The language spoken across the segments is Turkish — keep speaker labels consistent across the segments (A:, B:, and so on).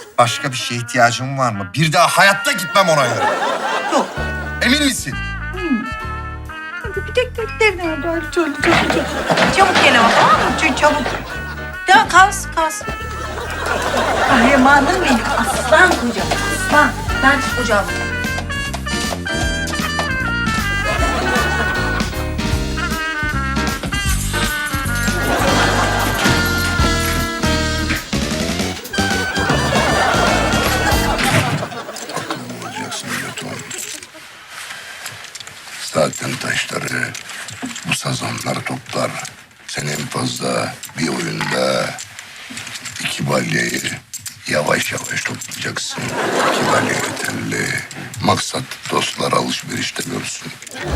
A: Başka bir şeye ihtiyacın var mı? Bir daha hayatta gitmem ona göre.
B: Yok.
A: Emin misin?
B: Hadi bir tek defne var. Çabuk. Çabuk gel ama, tamam mı? Çabuk. Ya kalsın. Kahramanım benim. Aslan kocam. Aslan. Ben kocam.
C: Olacaksın Lütfen. Zaten taşları, bu sazanlar toplar. Sen en fazla bir oyunda 2 balyayı yavaş yavaş toplayacaksın. 2 balya yeterli. Maksat dostlar alışverişte görsün.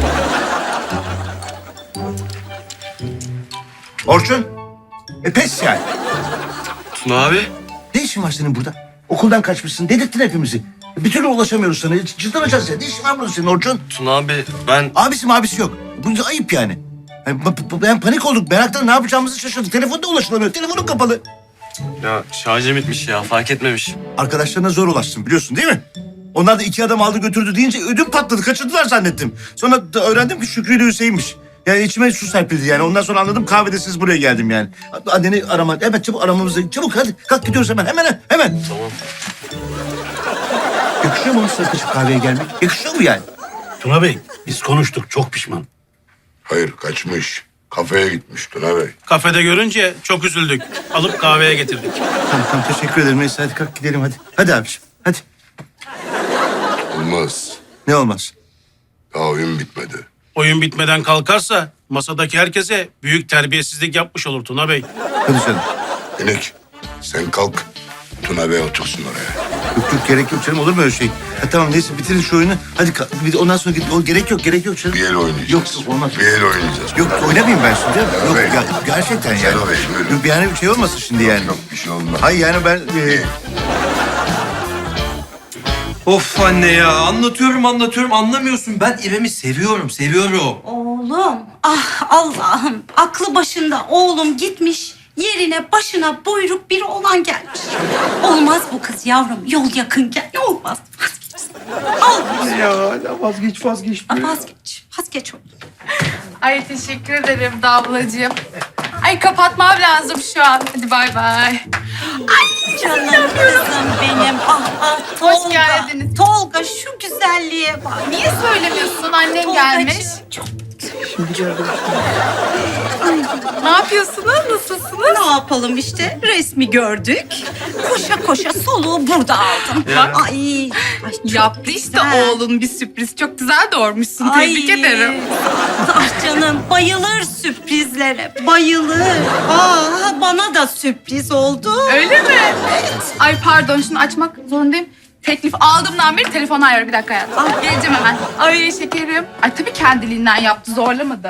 D: Orçun. Pes yani.
E: Tuna abi.
D: Ne işin var senin burada? Okuldan kaçmışsın. Dedirttin hepimizi. Bir türlü ulaşamıyoruz sana. Çıldıracağız ya. Ne işin var burada senin Orçun?
E: Tuna abi ben...
D: Abisi yok. Bu ayıp yani. Ben panik olduk. Meraktan ne yapacağımızı şaşırdık. Telefonda ulaşılamıyor. Telefonun kapalı.
E: Ya şarjım bitmiş ya, fark etmemiş.
D: Arkadaşlarına zor ulaşsın biliyorsun değil mi? Onlar da 2 adam aldı götürdü deyince ödüm patladı. Kaçırdılar zannettim. Sonra da öğrendim ki Şükrü ile Hüseyin'miş. Yani içime su serpildi yani. Ondan sonra anladım, kahvedesiz buraya geldim yani. Anneni arama. Evet, çabuk aramamızı. Çabuk hadi. Kalk gidiyoruz hemen. Hemen.
E: Tamam.
D: Yakışıyor mu sana kaçıp kahveye gelmek? Yakışıyor mu yani?
F: Tuna Bey, biz konuştuk. Çok pişman.
C: Hayır, kaçmış. Kafeye gitmiş Tuna Bey.
F: Kafede görünce çok üzüldük. Alıp kahveye getirdik.
D: Tamam teşekkür ederim. Neyse hadi kalk gidelim hadi. Hadi abiciğim hadi.
C: Olmaz.
D: Ne olmaz?
C: Daha oyun bitmedi.
F: Oyun bitmeden kalkarsa masadaki herkese büyük terbiyesizlik yapmış olur Tuna Bey.
D: Hadi canım.
C: Minik, sen kalk. Tuna Bey otursun oraya.
D: Yok gerek yok canım, olur mu öyle şey? Ha, tamam neyse bitirin şu oyunu. Hadi bir de ondan sonra git. O gerek yok canım.
C: Bir el oynayacağız.
D: Yok olmaz.
C: Bir el oynayacağız.
D: Yok oynamayayım ben şimdi. Yok
C: Bey.
D: gerçekten yani.
C: Şenol Bey, buyurun.
D: Yok yani bir şey olmasın şimdi yani.
C: Yok, bir şey olmaz.
D: Hayır yani ben...
G: Of anne ya, anlatıyorum anlamıyorsun. Ben İrem'i seviyorum.
B: Oğlum, ah Allah'ım. Aklı başında oğlum gitmiş. Yerine başına buyruk bir oğlan gelmiş. Olmaz bu kız yavrum. Yol yakınken olmaz. Vazgeç. Olmaz.
G: Ya hala vazgeç.
B: Vazgeç oğlum.
H: Ay teşekkür ederim Damlacığım. Ay kapatmam lazım şu an. Hadi bay bay.
B: Canım kızım benim. Ah
H: Hoş
B: Tolga.
H: geldiniz.
B: Tolga şu güzelliğe bak.
H: Niye söylemiyorsun? Annen
B: Tolgacığım,
H: gelmiş.
B: Çok
H: Ne yapıyorsunuz? Nasılsınız?
B: ne yapalım işte, resmi gördük. Koşa soluğu burada aldım. Ay çok
H: Yaptı işte
B: güzel.
H: oğlun bir sürpriz. Çok güzel doğurmuşsun.
B: Ay.
H: Tebrik ederim.
B: Ah canım, bayılır sürprizlere, bayılır. Bana da sürpriz oldu.
H: Öyle mi? Ay pardon, şunu açmak zorundayım. Teklif aldığımdan beri telefonu ayarı. Bir dakika hayatım. Geleceğim hemen. Ay şekerim. Ay tabii kendiliğinden yaptı. Zorlamadı.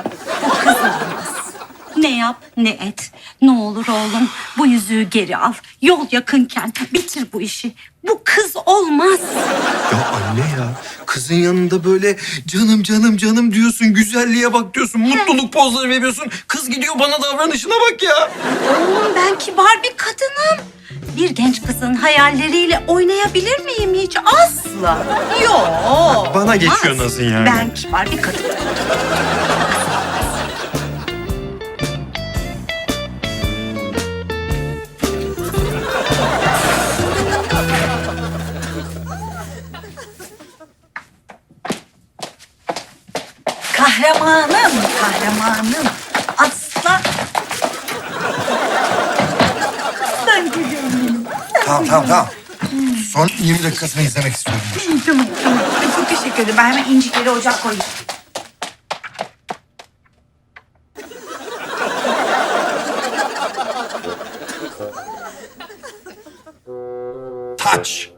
B: Ne yap ne et. Ne olur oğlum, bu yüzüğü geri al. Yol yakınken bitir bu işi. Bu kız olmaz.
G: Ya anne ya, kızın yanında böyle canım diyorsun, güzelliğe bak diyorsun, mutluluk pozları veriyorsun. Kız gidiyor bana davranışına bak ya.
B: Oğlum ben kibar bir kadınım. Bir genç kızın hayalleriyle oynayabilir miyim hiç? Asla. Yok.
G: Bana geçiyor
B: olmaz.
G: nasıl yani?
B: Ben kibar bir kadınım. Kahramanım. Aslan. Ben geliyorum.
A: Tamam. Son 20 dakikasını izlemek istiyorum.
B: Tamam. Ay, çok teşekkür ederim. Ben hemen incikleri ocak koyayım.
A: Taç.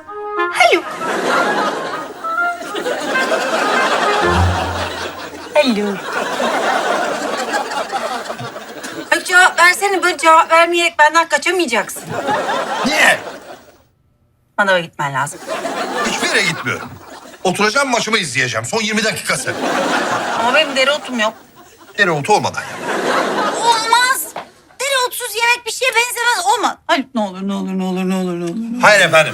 B: Hello. geliyorum. Ay cevap versene, böyle cevap vermeyerek benden kaçamayacaksın.
A: Niye?
B: Bana gitmen lazım.
A: Hiçbir yere gitmiyorum. Oturacağım, maçımı izleyeceğim. Son 20 dakikası.
B: Ama benim dereotum yok.
A: Dereotu olmadan ya.
B: Olmaz. Dereotsuz yemek bir şeye benzemez. Olmaz. Haluk ne olur, ne olur, ne olur, ne olur, ne olur.
A: Hayır efendim.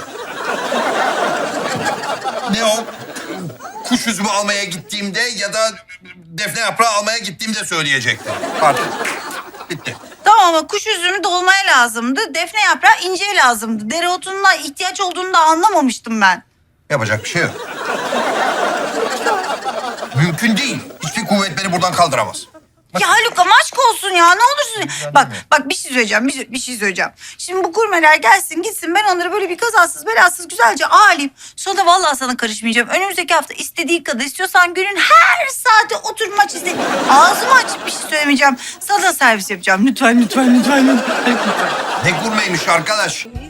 A: Ne o? Kuş üzümü almaya gittiğimde ya da defne yaprağı almaya gittiğimde söyleyecektim. Artık bitti.
B: Tamam ama kuş üzümü dolmaya lazımdı. Defne yaprağı inceye lazımdı. Dereotunla ihtiyaç olduğunu da anlamamıştım ben.
A: Yapacak bir şey yok. Mümkün değil. Hiçbir kuvvet beni buradan kaldıramaz.
B: Ya Haluk ama aşk olsun ya, ne olursun. Bak bir şey söyleyeceğim, bir şey söyleyeceğim. Şimdi bu gurmeler gelsin gitsin, ben onları böyle bir kazasız belasız güzelce ağırlayayım. Sonra da vallahi sana karışmayacağım. Önümüzdeki hafta istediğin kadar istiyorsan günün her saati otur maç izle. Ağzımı açıp bir şey söylemeyeceğim. Sana da servis yapacağım. Lütfen, lütfen, lütfen.
A: Ne gurmeymiş arkadaş.